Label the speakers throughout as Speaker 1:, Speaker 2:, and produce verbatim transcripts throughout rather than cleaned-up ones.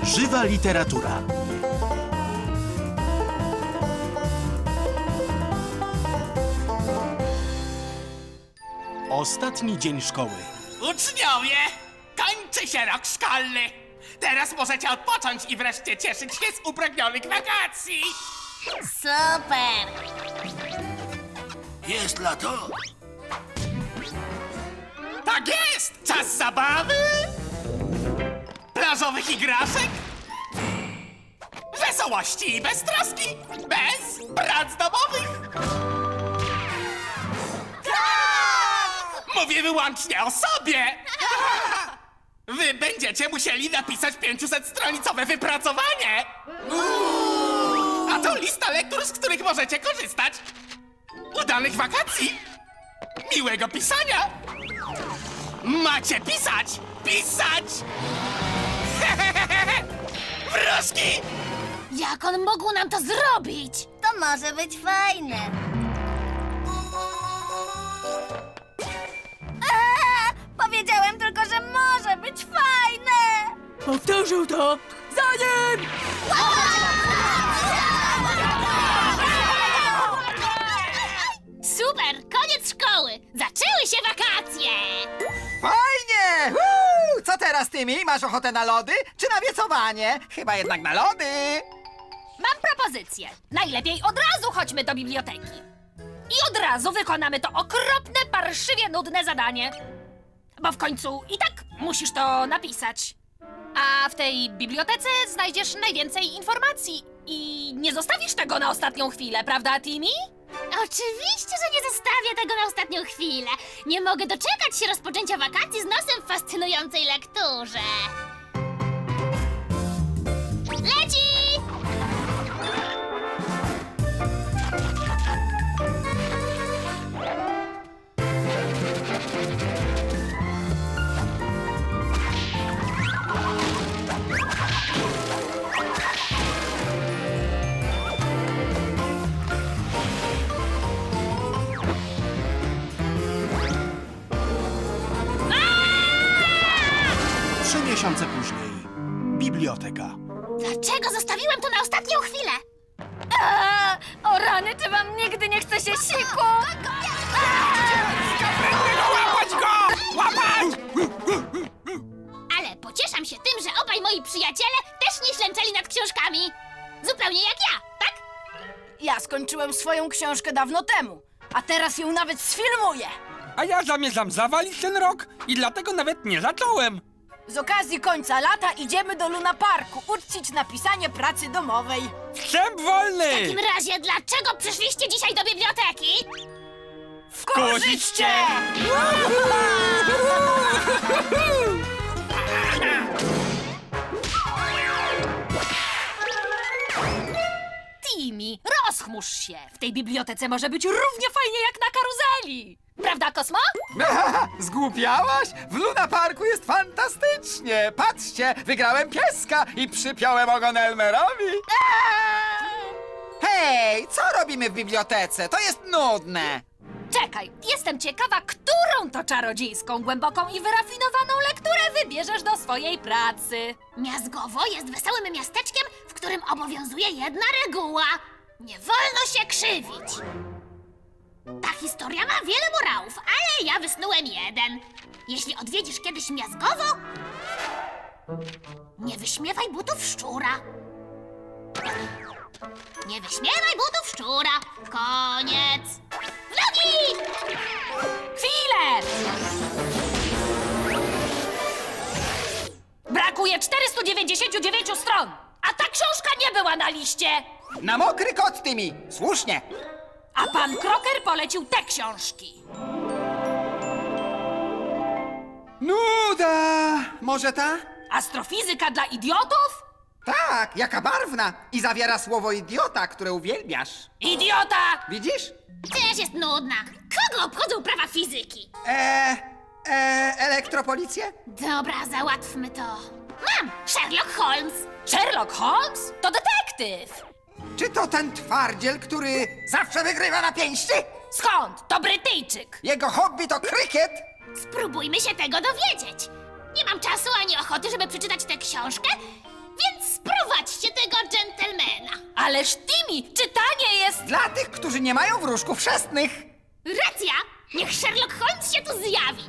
Speaker 1: Żywa literatura. Ostatni dzień szkoły.
Speaker 2: Uczniowie, kończy się rok szkolny. Teraz możecie odpocząć i wreszcie cieszyć się z upragnionych wakacji.
Speaker 3: Super!
Speaker 4: Jest lato?
Speaker 2: Tak jest! Czas zabawy, plażowych igraszek, wesołości i beztroski, bez prac domowych. Mówię wyłącznie o sobie. Wy będziecie musieli napisać pięćset-stronicowe wypracowanie. A to lista lektur, z których możecie korzystać. Udanych wakacji, miłego pisania. Macie pisać! Pisać! Wróżki!
Speaker 3: Jak on mógł nam to zrobić? To może być fajne. Eee, powiedziałem tylko, że może być fajne!
Speaker 5: Powtórzył to! Za nim!
Speaker 3: Super! Koniec szkoły! Zaczęły się wakacje!
Speaker 6: Fajnie! Woo! Co teraz, Tymi? Masz ochotę na lody, czy na wiecowanie? Chyba jednak na lody.
Speaker 5: Mam propozycję. Najlepiej od razu chodźmy do biblioteki. I od razu wykonamy to okropne, parszywie nudne zadanie. Bo w końcu i tak musisz to napisać. A w tej bibliotece znajdziesz najwięcej informacji. I nie zostawisz tego na ostatnią chwilę, prawda, Timmy?
Speaker 3: Oczywiście, że nie zostawię tego na ostatnią chwilę. Nie mogę doczekać się rozpoczęcia wakacji z nosem w fascynującej lekturze. Leci!
Speaker 1: Trzy miesiące później. Biblioteka.
Speaker 3: Dlaczego zostawiłem to na ostatnią chwilę?
Speaker 5: Eee, o rany, czy wam nigdy nie chce się siku?
Speaker 2: Łapać go! Łapać!
Speaker 3: Ale pocieszam się tym, że obaj moi przyjaciele też nie ślęczeli nad książkami. Zupełnie jak ja, tak?
Speaker 7: Ja skończyłem swoją książkę dawno temu, a teraz ją nawet sfilmuję.
Speaker 8: A ja zamierzam zawalić ten rok i dlatego nawet nie zacząłem.
Speaker 7: Z okazji końca lata idziemy do Luna Parku uczcić napisanie pracy domowej.
Speaker 8: Wstęp
Speaker 3: W
Speaker 8: wolny!
Speaker 3: takim razie, dlaczego przyszliście dzisiaj do biblioteki?
Speaker 8: Wkurzyć cię!
Speaker 5: Timmy, rozchmurz się. W tej bibliotece może być równie fajnie jak na karuzeli. Prawda, Kosmo?
Speaker 6: Zgłupiałaś? W Luna Parku jest fantastycznie. Patrzcie, wygrałem pieska i przypiąłem ogon Elmerowi. Hej, co robimy w bibliotece? To jest nudne.
Speaker 5: Czekaj, jestem ciekawa, którą to czarodziejską, głęboką i wyrafinowaną lekturę wybierzesz do swojej pracy.
Speaker 3: Miazgowo jest wesołym miasteczkiem, w którym obowiązuje jedna reguła. Nie wolno się krzywić. Ta historia ma wiele morałów, ale ja wysnułem jeden. Jeśli odwiedzisz kiedyś Miazgowo, nie wyśmiewaj butów szczura. Nie wyśmiewaj butów szczura. Koniec. Vlogi!
Speaker 5: Chwilę! Brakuje czterystu dziewięćdziesięciu dziewięciu stron, a ta książka nie była na liście.
Speaker 6: Na mokry kot, Tymi. Słusznie.
Speaker 5: A pan Kroker polecił te książki.
Speaker 6: Nuda. Może ta?
Speaker 5: Astrofizyka dla idiotów?
Speaker 6: Tak, jaka barwna. I zawiera słowo idiota, które uwielbiasz.
Speaker 5: Idiota!
Speaker 6: Widzisz?
Speaker 3: Też jest nudna. Kogo obchodzą prawa fizyki?
Speaker 6: Eee, eee, elektropolicję?
Speaker 3: Dobra, załatwmy to. Mam! Sherlock Holmes!
Speaker 5: Sherlock Holmes? To detektyw.
Speaker 6: Czy to ten twardziel, który zawsze wygrywa na pięści?
Speaker 5: Skąd? To Brytyjczyk.
Speaker 6: Jego hobby to krykiet?
Speaker 3: Spróbujmy się tego dowiedzieć. Nie mam czasu ani ochoty, żeby przeczytać tę książkę, więc Sprowadźcie tego dżentelmena.
Speaker 5: Ależ Timmy, czytanie jest...
Speaker 6: Dla tych, którzy nie mają wróżków chrzestnych.
Speaker 3: Racja! Niech Sherlock Holmes się tu zjawi.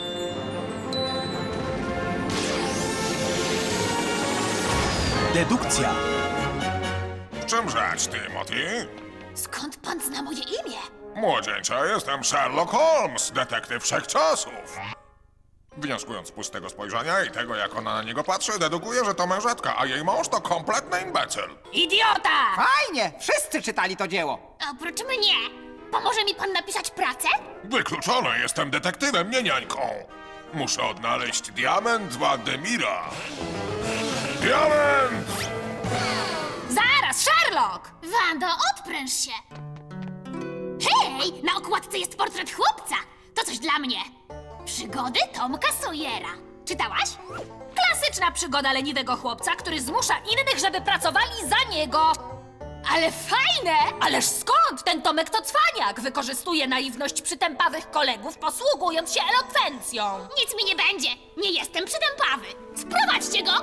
Speaker 1: Dedukcja.
Speaker 4: W czym rzecz, Timothy?
Speaker 3: Skąd pan zna moje imię?
Speaker 4: Młodzieńcze, jestem Sherlock Holmes, detektyw wszechczasów. Wnioskując z pustego spojrzenia i tego, jak ona na niego patrzy, dedukuję, że to mężatka, a jej mąż to kompletny imbecyl.
Speaker 5: Idiota!
Speaker 6: Fajnie, wszyscy czytali to dzieło.
Speaker 3: Oprócz mnie. Pomoże mi pan napisać pracę?
Speaker 4: Wykluczone, jestem detektywem, nie niańką. Muszę odnaleźć diament Władimira. Diament!
Speaker 5: Zaraz, Sherlock!
Speaker 3: Wando, odpręż się. Hej, na okładce jest portret chłopca. To coś dla mnie. Przygody Tomka Sawyera. Czytałaś?
Speaker 5: Klasyczna przygoda leniwego chłopca, który zmusza innych, żeby pracowali za niego.
Speaker 3: Ale fajne!
Speaker 5: Ależ skąd? Ten Tomek to cwaniak. Wykorzystuje naiwność przytępawych kolegów, posługując się elokwencją.
Speaker 3: Nic mi nie będzie. Nie jestem przytępawy. Sprowadźcie go.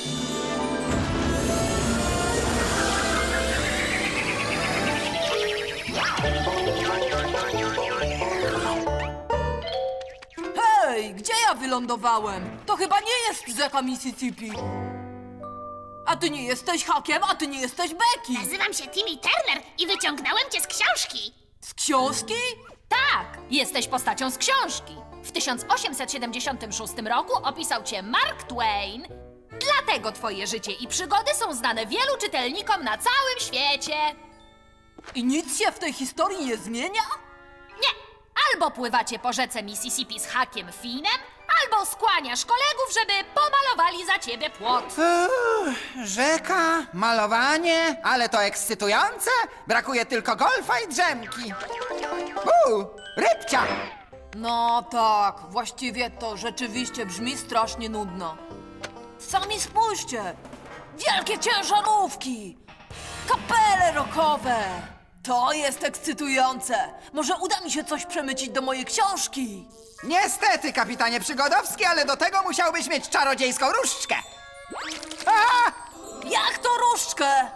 Speaker 7: Hej, gdzie ja wylądowałem? To chyba nie jest rzeka Mississippi. A ty nie jesteś Hakiem, a ty nie jesteś Becky.
Speaker 3: Nazywam się Timmy Turner i wyciągnąłem cię z książki.
Speaker 7: Z książki?
Speaker 5: Tak, jesteś postacią z książki. W tysiąc osiemset siedemdziesiątym szóstym roku opisał cię Mark Twain. Dlatego twoje życie i przygody są znane wielu czytelnikom na całym świecie.
Speaker 7: I nic się w tej historii nie zmienia?
Speaker 5: Nie, albo pływacie po rzece Mississippi z Hakiem Finem, albo skłaniasz kolegów, żeby pomalowali za ciebie płot.
Speaker 6: Rzeka, malowanie, ale to ekscytujące. Brakuje tylko golfa i drzemki. Uuu, rybcia.
Speaker 7: No tak, właściwie to rzeczywiście brzmi strasznie nudno. Sami spójrzcie! Wielkie ciężarówki! Kapele rockowe! To jest ekscytujące! Może uda mi się coś przemycić do mojej książki?
Speaker 6: Niestety, kapitanie Przygodowski, ale do tego musiałbyś mieć czarodziejską różdżkę. A!
Speaker 7: Jak to różdżkę?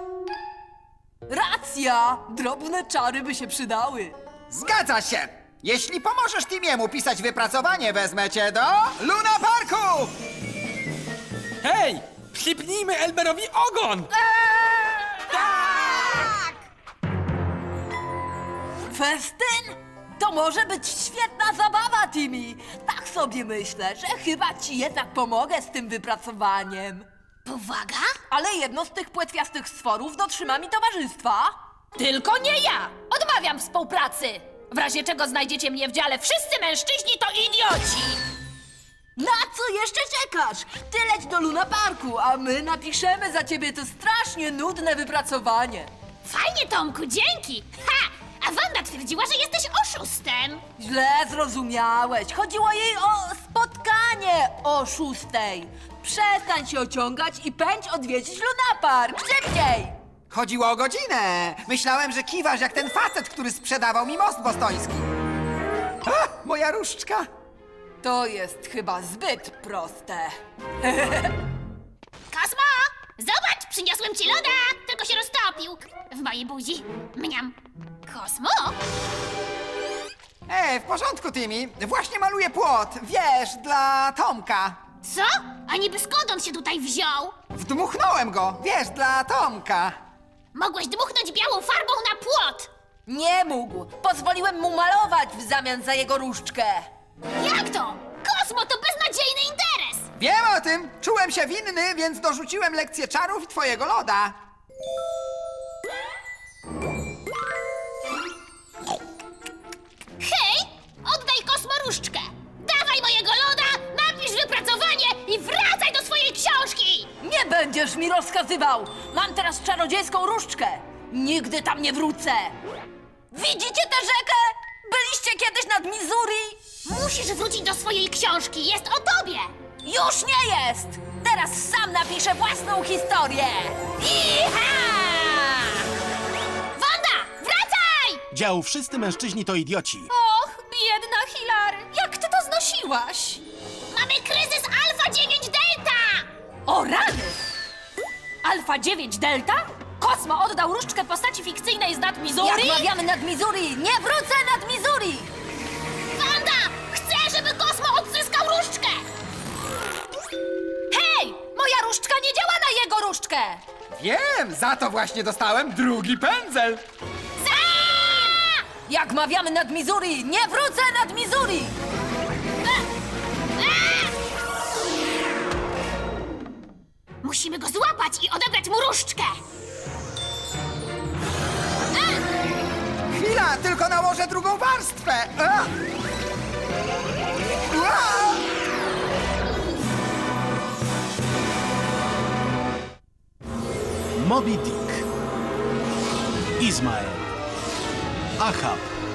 Speaker 7: Racja! Drobne czary by się przydały.
Speaker 6: Zgadza się! Jeśli pomożesz Timiemu pisać wypracowanie, wezmę cię do Luna Parku!
Speaker 8: Hej! Przypnijmy Elberowi ogon!
Speaker 7: Festyn? To może być świetna zabawa, Timmy. Tak sobie myślę, że chyba ci jednak pomogę z tym wypracowaniem.
Speaker 3: Powaga?
Speaker 7: Ale jedno z tych płetwiastych stworów dotrzyma mi towarzystwa.
Speaker 5: Tylko nie ja! Odmawiam współpracy! W razie czego znajdziecie mnie w dziale Wszyscy mężczyźni to idioci!
Speaker 7: Na co jeszcze czekasz? Ty leć do Luna Parku, a my napiszemy za ciebie to strasznie nudne wypracowanie.
Speaker 3: Fajnie, Tomku, dzięki. Ha! A Wanda twierdziła, że jesteś oszustem.
Speaker 7: Źle zrozumiałeś. Chodziło jej o spotkanie o szóstej. Przestań się ociągać i pędź odwiedzić Luna Park. Szybciej!
Speaker 6: Chodziło o godzinę. Myślałem, że kiwasz jak ten facet, który sprzedawał mi most bostoński. A, moja różdżka.
Speaker 7: To jest chyba zbyt proste.
Speaker 3: Kosmo! Zobacz, przyniosłem ci loda, tylko się roztopił. W mojej buzi. Mniam. Kosmo?
Speaker 6: Ej, w porządku, Timmy. Właśnie maluję płot, wiesz, dla Tomka.
Speaker 3: Co? A niby skąd on się tutaj wziął?
Speaker 6: Wdmuchnąłem go, wiesz, dla Tomka.
Speaker 3: Mogłeś dmuchnąć białą farbą na płot.
Speaker 7: Nie mógł. Pozwoliłem mu malować w zamian za jego różdżkę.
Speaker 3: Jak to? Kosmo to beznadziejny interes.
Speaker 6: Wiem o tym. Czułem się winny, więc dorzuciłem lekcję czarów i twojego loda.
Speaker 3: Hej! Oddaj Kosmo różdżkę. Dawaj mojego loda, napisz wypracowanie i wracaj do swojej książki.
Speaker 7: Nie będziesz mi rozkazywał! Mam teraz czarodziejską różdżkę! Nigdy tam nie wrócę! Widzicie tę rzekę? Byliście kiedyś nad Missouri?
Speaker 3: Musisz wrócić do swojej książki, jest o tobie.
Speaker 7: Już nie jest! Teraz sam napiszę własną historię!
Speaker 3: Iha! Wanda, wracaj!
Speaker 1: Dział Wszyscy mężczyźni to idioci.
Speaker 5: Och, biedna Hilary, jak ty to znosiłaś?
Speaker 3: Mamy kryzys Alfa dziewięć Delta!
Speaker 5: O rany! Alfa dziewięć Delta? Kosmo oddał różdżkę postaci fikcyjnej z nad Missouri?
Speaker 7: Jak mawiamy nad Missouri, nie wrócę nad Missouri!
Speaker 3: Wanda! Chcę, żeby Kosmo odzyskał różdżkę!
Speaker 5: Hej! Moja różdżka nie działa na jego różdżkę!
Speaker 6: Wiem, za to właśnie dostałem drugi pędzel.
Speaker 3: Za!
Speaker 7: Jak mawiamy nad Missouri, nie wrócę nad Missouri!
Speaker 3: Musimy go złapać i odebrać mu różdżkę!
Speaker 6: Chwila, tylko nałożę drugą warstwę. A! Ua!
Speaker 1: Moby Dick, Izmael, Ahab,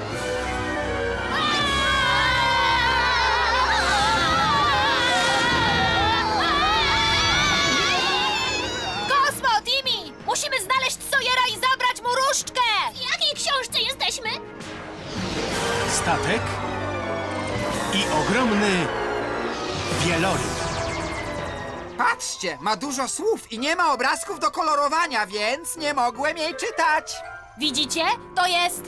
Speaker 5: Kosmo, Timmy! Musimy znaleźć Sawyera i zabrać mu różdżkę!
Speaker 3: W jakiej książce jesteśmy?
Speaker 1: statek i ogromny wieloryb.
Speaker 6: Patrzcie, ma dużo słów i nie ma obrazków do kolorowania, więc nie mogłem jej czytać.
Speaker 5: Widzicie? To jest...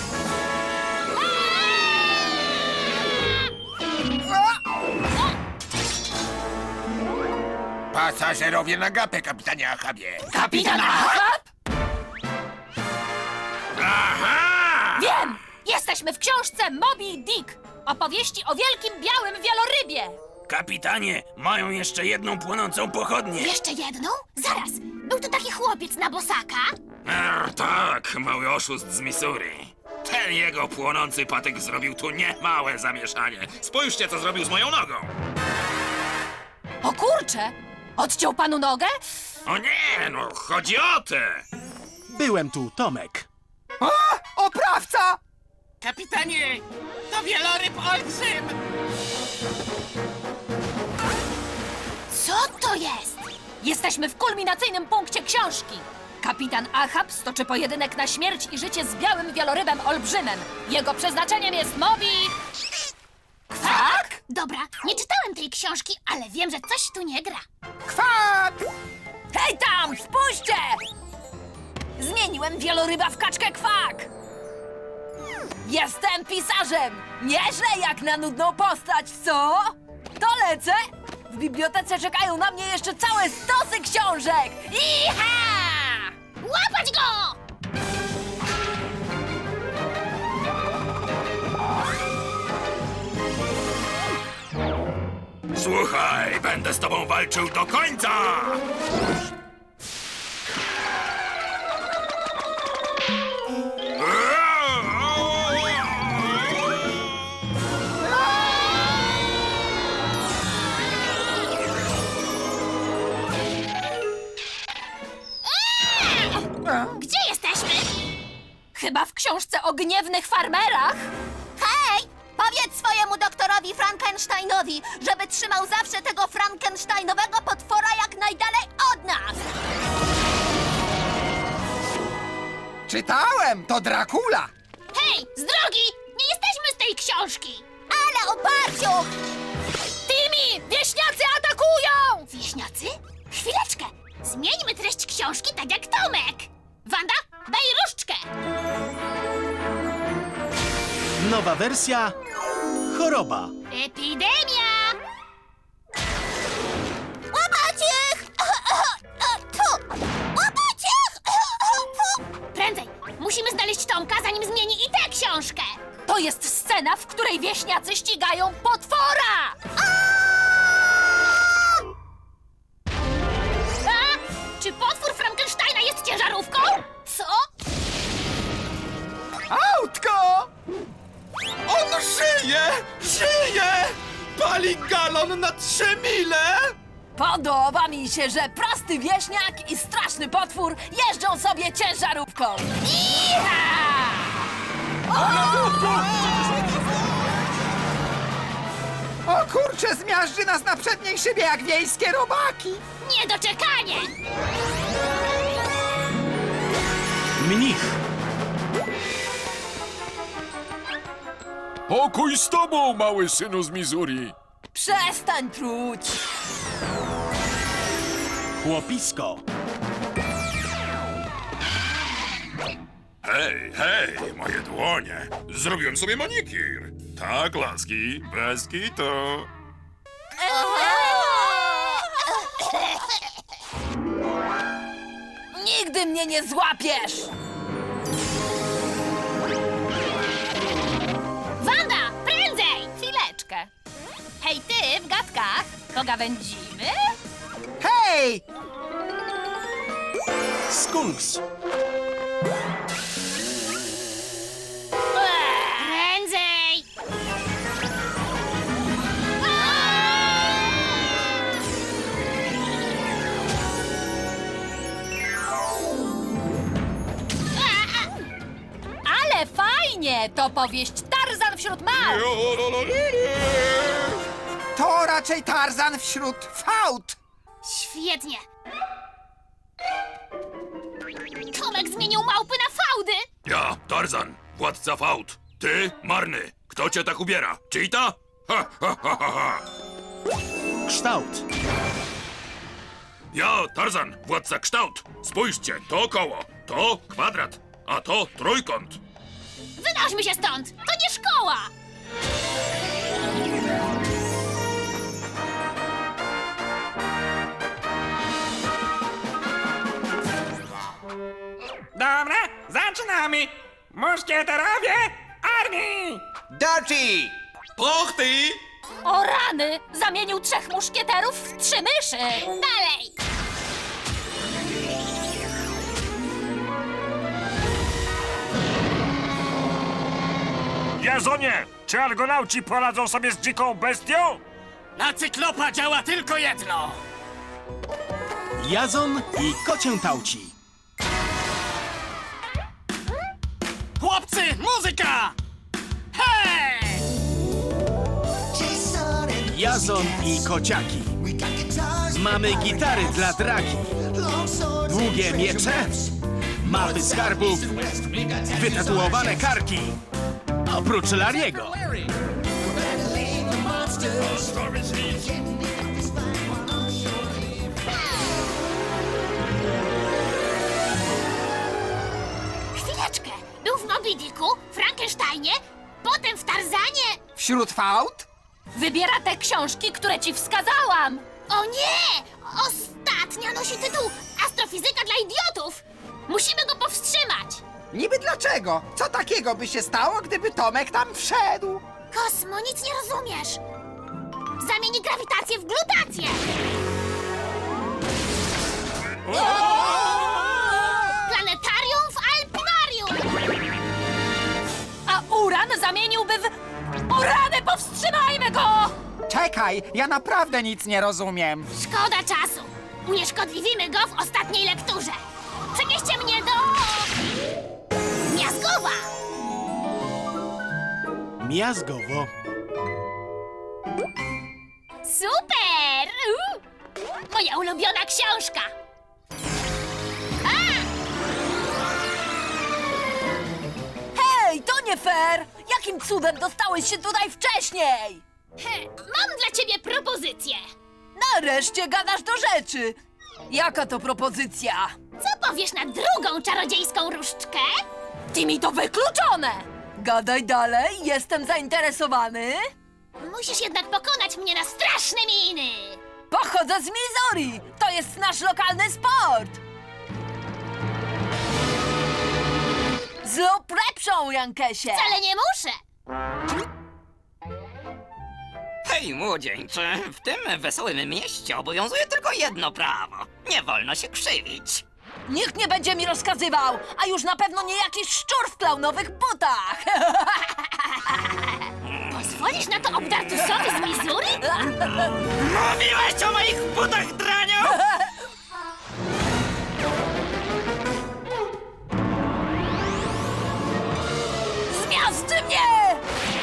Speaker 4: Pasażerowie na gapę, kapitanie Achabie.
Speaker 5: Kapitan Ahab?
Speaker 4: Aha!
Speaker 5: Wiem! Jesteśmy w książce Moby Dick. Opowieści o wielkim białym wielorybie.
Speaker 9: Kapitanie, mają jeszcze jedną płonącą pochodnię.
Speaker 3: Jeszcze jedną? Zaraz! Był to taki chłopiec na bosaka?
Speaker 9: Er, tak, mały oszust z Missouri. Ten jego płonący patyk zrobił tu niemałe zamieszanie. Spójrzcie, co zrobił z moją nogą.
Speaker 5: O kurcze! Odciął panu nogę?
Speaker 9: O nie, no chodzi o tę.
Speaker 1: Byłem tu, Tomek.
Speaker 6: O, oprawca!
Speaker 2: Kapitanie, to wieloryb olbrzym!
Speaker 3: Co to jest?
Speaker 5: Jesteśmy w kulminacyjnym punkcie książki. Kapitan Ahab stoczy pojedynek na śmierć i życie z białym wielorybem olbrzymem. Jego przeznaczeniem jest Moby... Kwak?
Speaker 3: Dobra, nie czytałem tej książki, ale wiem, że coś tu nie gra.
Speaker 6: Kwak!
Speaker 7: Hej tam, spójrzcie! Zmieniłem wieloryba w kaczkę kwak! Jestem pisarzem! Nieźle jak na nudną postać, co? To lecę! W bibliotece czekają na mnie jeszcze całe stosy książek! Iha!
Speaker 3: Łapać go!
Speaker 9: Słuchaj, będę z tobą walczył do końca!
Speaker 3: Gdzie jesteśmy?
Speaker 5: Chyba w książce o gniewnych farmerach?
Speaker 3: Hej! Powiedz swojemu doktorowi Frankensteinowi, żeby trzymał zawsze tego Frankensteinowego potwora jak najdalej od nas!
Speaker 6: Czytałem, to Dracula.
Speaker 3: Hej, z drogi! Nie jesteśmy z tej książki! Ale oparciu!
Speaker 5: Timmy! Wieśniacy atakują!
Speaker 3: Wieśniacy? Chwileczkę! Zmieńmy treść książki tak jak Tomek! Wanda, daj różdżkę!
Speaker 1: Nowa wersja choroba.
Speaker 3: Epidemia! Łapać ich! Tu! Łapać ich! Prędzej! Musimy znaleźć Tomka, zanim zmieni i tę książkę!
Speaker 5: To jest scena, w której wieśniacy ścigają potwora!
Speaker 3: A? Czy potwór Frankensteina jest ciężarówką? Co?
Speaker 6: Autko!
Speaker 8: On żyje! Żyje! Pali galon na trzy mile!
Speaker 7: Podoba mi się, że prosty wieśniak i straszny potwór jeżdżą sobie ciężarówką! Iha!
Speaker 6: O kurczę, zmiażdży nas na przedniej szybie jak wiejskie robaki.
Speaker 3: Niedoczekanie!
Speaker 1: Mnich,
Speaker 4: Pokój z tobą, mały synu z Missouri.
Speaker 7: Przestań truć!
Speaker 1: chłopisko,
Speaker 9: Hej, hej, moje dłonie. Zrobiłem sobie manikir. Tak, laski, bez kitu.
Speaker 7: Nigdy mnie nie złapiesz!
Speaker 3: Wanda, prędzej!
Speaker 5: Chwileczkę. Hej, ty w gadkach, pogawędzimy?
Speaker 6: Hej!
Speaker 1: Skunks.
Speaker 3: Prędzej!
Speaker 5: Ale fajnie! To powieść Tarzan wśród małp!
Speaker 6: To raczej Tarzan wśród fałd.
Speaker 3: Świetnie! Tomek zmienił małpy na fałdy!
Speaker 9: Ja, Tarzan, władca fałd. Ty, marny. Kto cię tak ubiera? Cheetah? Ha, ha, ha, ha, ha.
Speaker 1: Kształt.
Speaker 9: Ja, Tarzan, władca kształt. Spójrzcie, to koło, to kwadrat, a to trójkąt.
Speaker 3: Wynośmy się stąd! To nie szkoła!
Speaker 8: Dobra, zaczynamy! Muszkieterowie armii!
Speaker 6: Dirty!
Speaker 9: Pochty!
Speaker 5: O rany! Zamienił trzech muszkieterów w trzy myszy!
Speaker 3: Dalej!
Speaker 8: Jazonie, czy argonauci poradzą sobie z dziką bestią?
Speaker 2: Na cyklopa działa tylko jedno.
Speaker 1: Jazon i kocię tauci.
Speaker 2: Chłopcy, muzyka! Hej!
Speaker 1: Jazon i kociaki. Mamy gitary dla dragi. Długie miecze. Mapy skarbów. Wytatuowane karki. Oprócz Lariego.
Speaker 3: Chwileczkę! Był w Moby Dicku, Frankensteinie, potem w Tarzanie.
Speaker 6: Wśród fałd?
Speaker 5: Wybiera te książki, które ci wskazałam!
Speaker 3: O nie! Ostatnia nosi tytuł Astrofizyka dla idiotów! Musimy go powstrzymać!
Speaker 6: Niby dlaczego? Co takiego by się stało, gdyby Tomek tam wszedł?
Speaker 3: Kosmo, nic nie rozumiesz! Zamieni grawitację w glutację! Planetarium w Alpinarium!
Speaker 5: A uran zamieniłby w... O rany, powstrzymajmy go!
Speaker 6: Czekaj, ja naprawdę nic nie rozumiem.
Speaker 3: Szkoda czasu! Unieszkodliwimy go w ostatniej lekturze! Przenieście mnie do... Miazgowa!
Speaker 1: Miazgowo.
Speaker 3: Super! Uuu. Moja ulubiona książka! A!
Speaker 7: Hej, to nie fair! Jakim cudem dostałeś się tutaj wcześniej?
Speaker 3: He, mam dla ciebie propozycję!
Speaker 7: Nareszcie gadasz do rzeczy! Jaka to propozycja?
Speaker 3: Co powiesz na drugą czarodziejską różdżkę?
Speaker 5: Ty mi to wykluczone!
Speaker 7: Gadaj dalej, jestem zainteresowany.
Speaker 3: Musisz jednak pokonać mnie na straszne miny!
Speaker 7: Pochodzę z Missouri! To jest nasz lokalny sport! Zrób lepszą, Jankesie!
Speaker 3: Wcale nie muszę!
Speaker 10: Hej, młodzieńcze, w tym wesołym mieście obowiązuje tylko jedno prawo. Nie wolno się krzywić.
Speaker 7: Nikt nie będzie mi rozkazywał, a już na pewno nie jakiś szczur w klaunowych butach!
Speaker 3: Pozwolisz na to obdartusowi z Missouri?
Speaker 10: Mówiłeś o moich butach, draniu!
Speaker 7: Zmiażdży mnie!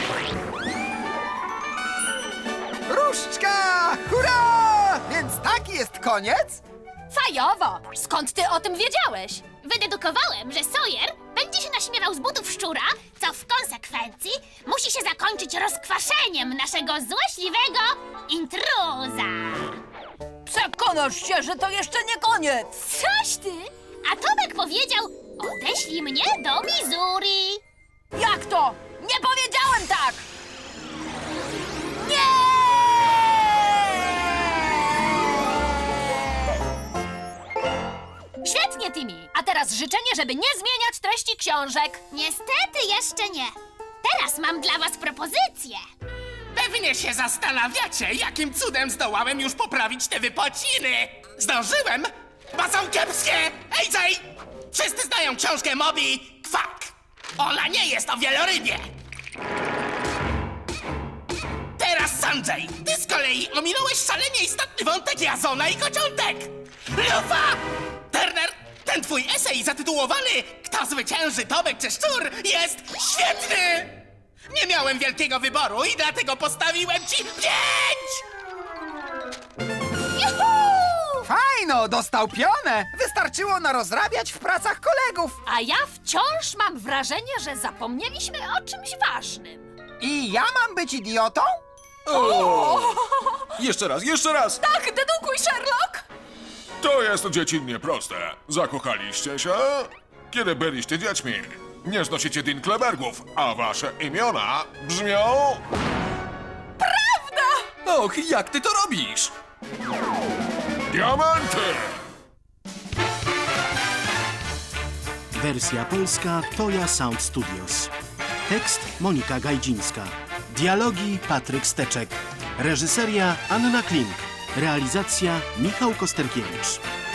Speaker 6: Różdżka! Hurra! Więc taki jest koniec?
Speaker 5: Fajowo! Skąd ty o tym wiedziałeś?
Speaker 3: Wydedukowałem, że Sawyer będzie się naśmiewał z butów szczura, co w konsekwencji musi się zakończyć rozkwaszeniem naszego złośliwego intruza.
Speaker 7: Przekonasz się, że to jeszcze nie koniec!
Speaker 3: Coś ty! A Tomek powiedział, Odeślij mnie do Missouri.
Speaker 7: Jak to? Nie powiedziałem tak! Nie!
Speaker 5: Świetnie, Timmy. A teraz życzenie, żeby nie zmieniać treści książek.
Speaker 3: Niestety jeszcze nie. Teraz mam dla was propozycję.
Speaker 2: Pewnie się zastanawiacie, jakim cudem zdołałem już poprawić te wypociny. Zdążyłem, bo są kiepskie. Ej, Jay! Wszyscy znają książkę Moby Kwak. Ona nie jest o wielorybie. Teraz, Sanjay, ty z kolei ominąłeś szalenie istotny wątek Jazona i kociątek. Lufa! Turner, ten twój esej zatytułowany Kto zwycięży, Tomek czy Szczur jest świetny! Nie miałem wielkiego wyboru i dlatego postawiłem ci pięć!
Speaker 6: Fajno, dostał pionę. Wystarczyło narozrabiać w pracach kolegów.
Speaker 5: A ja wciąż mam wrażenie, że zapomnieliśmy o czymś ważnym.
Speaker 6: I ja mam być idiotą?
Speaker 1: Jeszcze raz, jeszcze raz!
Speaker 7: Tak, dedukuj, Sherlock!
Speaker 4: To jest dziecinnie proste. Zakochaliście się? Kiedy byliście dziećmi. Nie znosicie Dinklebergów, a wasze imiona brzmią...
Speaker 1: Och, jak ty to robisz?
Speaker 4: Diamenty!
Speaker 1: Wersja polska Toya Sound Studios. Tekst Monika Gajdzińska. Dialogi Patryk Steczek. Reżyseria Anna Klink. Realizacja Michał Kosterkiewicz.